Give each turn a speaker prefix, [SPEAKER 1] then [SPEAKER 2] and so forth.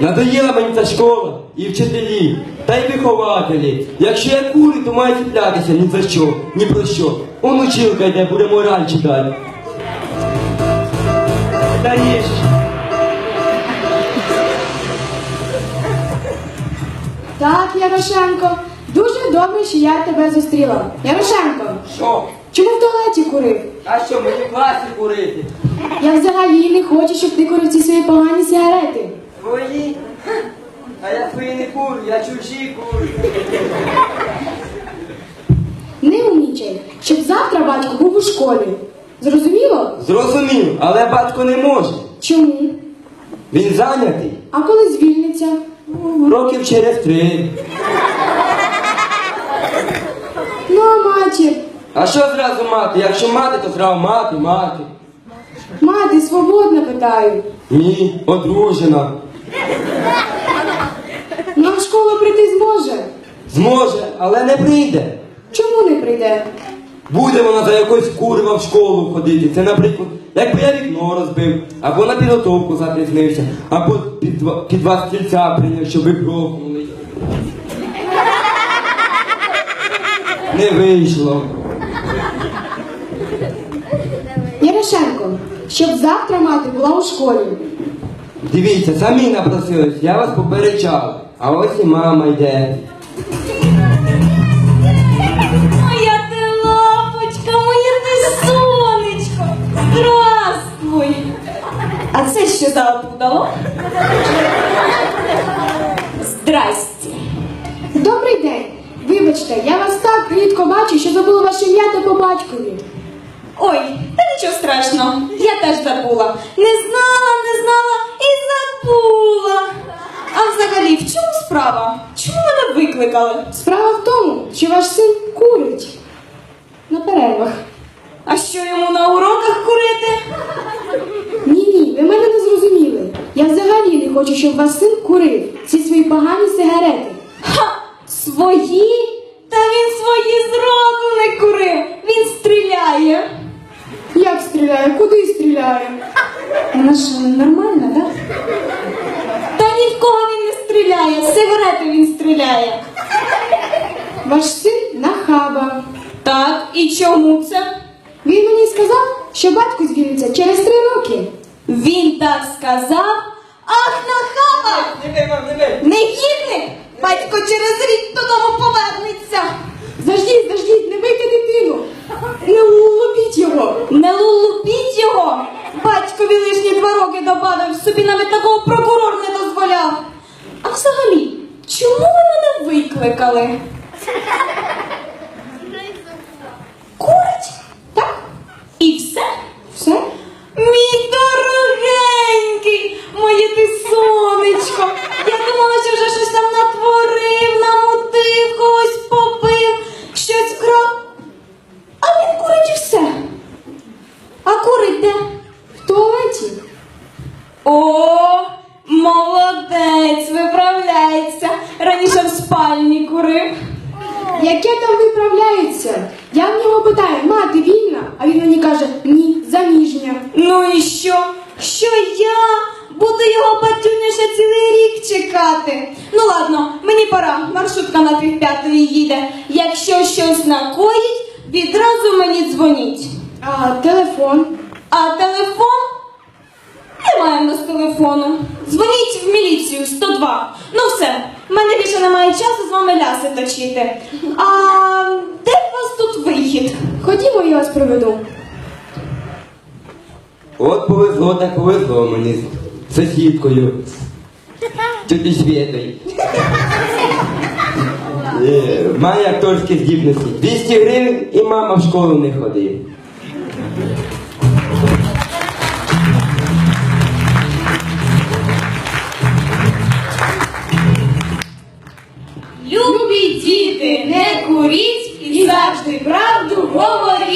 [SPEAKER 1] Надоїла мені ця школа і вчителі, та й вихователі. Якщо я курю, то маю цеплятися ні за що, ні про що. Он училка йде, буде мораль читати. Даєш.
[SPEAKER 2] Так, Ярошенко, дуже добре, що я тебе зустріла. Ярошенко,
[SPEAKER 1] Що?
[SPEAKER 2] чому в туалеті курив?
[SPEAKER 1] А що, мені в класі курити?
[SPEAKER 2] Я взагалі не хочу, щоб ти курив ці свої погані сигарети.
[SPEAKER 1] Твої? А я твої не курю, я чужі курю.
[SPEAKER 2] Не умнічай, щоб завтра батько був у школі. Зрозуміло?
[SPEAKER 1] Зрозумів, але батько не може.
[SPEAKER 2] Чому?
[SPEAKER 1] Він зайнятий.
[SPEAKER 2] А коли звільниться?
[SPEAKER 1] Років через 3.
[SPEAKER 2] Ну, а матір?
[SPEAKER 1] А що зразу мати? Якщо мати, то зразу мати.
[SPEAKER 2] Мати, свободна, питаю.
[SPEAKER 1] Ні, одружена.
[SPEAKER 2] Ну, а в школу прийти зможе?
[SPEAKER 1] Зможе, але не прийде.
[SPEAKER 2] Чому не прийде?
[SPEAKER 1] Буде вона за якось курва в школу ходити. Це, наприклад, якби я вікно розбив, або на підготовку запізнився, або під вас стільця прийняв, щоб ви грохнули. Не вийшло.
[SPEAKER 2] Ярошенко, щоб завтра мати була у школі.
[SPEAKER 1] Дивіться, самі напросились, я вас попереджав. А ось і мама йде.
[SPEAKER 3] Моя ти лапочка, моє ти сонечко. Здравствуй. А це що за опудало? Здрасте.
[SPEAKER 2] Добрий день. Вибачте, я вас так рідко бачу, що забула ваше ім'я та по батькові.
[SPEAKER 3] Ой, та нічого страшного, я теж забула. Не знала і забула. А взагалі, в чому справа? Чому мене викликали?
[SPEAKER 2] Справа в тому, що ваш син курить на перервах.
[SPEAKER 3] А що йому на уроках курити?
[SPEAKER 2] Ні, ви мене не зрозуміли. Я взагалі не хочу, щоб ваш син курив ці свої погані сигарети.
[SPEAKER 3] Ха! Свої? Та він свої зроду не курив. Він стріляє.
[SPEAKER 2] Як стріляє? Куди стріляє?
[SPEAKER 3] Вона що, нормальна, да? Та ні в кого він не стріляє, з сигарети він стріляє.
[SPEAKER 2] Ваш син нахаба.
[SPEAKER 3] Так, і чому це?
[SPEAKER 2] Він мені сказав, що батько звільниться через 3 роки.
[SPEAKER 3] Він так сказав. Ах, нахаба! Негідник! Батько через рік додому повернеться.
[SPEAKER 2] Заждіть, не бийте дитину. Не лупіть його.
[SPEAKER 3] Не лупіть його! Батькові лишні 2 роки добавив, собі навіть такого прокурор не дозволяв. А взагалі, чому ви мене викликали? Курить? Так? І все?
[SPEAKER 2] Все?
[SPEAKER 3] Мій дорогенький, моє ти сонечко. Я думала, що вже щось там натворив, намутив, когось побив, щось вкрав. А він курить і все. А курить де?
[SPEAKER 2] В туалеті.
[SPEAKER 3] О, молодець, виправляється. Раніше в спальні курив.
[SPEAKER 2] Яке там виправляється? Я в нього питаю, мати вільна? А він мені каже, ні, заміжня.
[SPEAKER 3] Ну і що? Що я буду його батюня ще цілий рік чекати? Ну ладно, мені пора, маршрутка на 3:30 їде. Якщо щось накоїть, відразу мені дзвоніть.
[SPEAKER 2] А телефон?
[SPEAKER 3] А телефон? Немає в нас телефону. Дзвоніть в міліцію 102. Ну все, в мене більше немає часу з вами ляси точити. А де у вас тут вихід?
[SPEAKER 2] Ходімо, я вас проведу.
[SPEAKER 1] От повезло, так повезло мені з сусідкою. Тьоті Свєтою. Має акторські здібності. 200 гривень і мама в школу не ходить.
[SPEAKER 3] Любі діти, не куріть і завжди правду говоріть.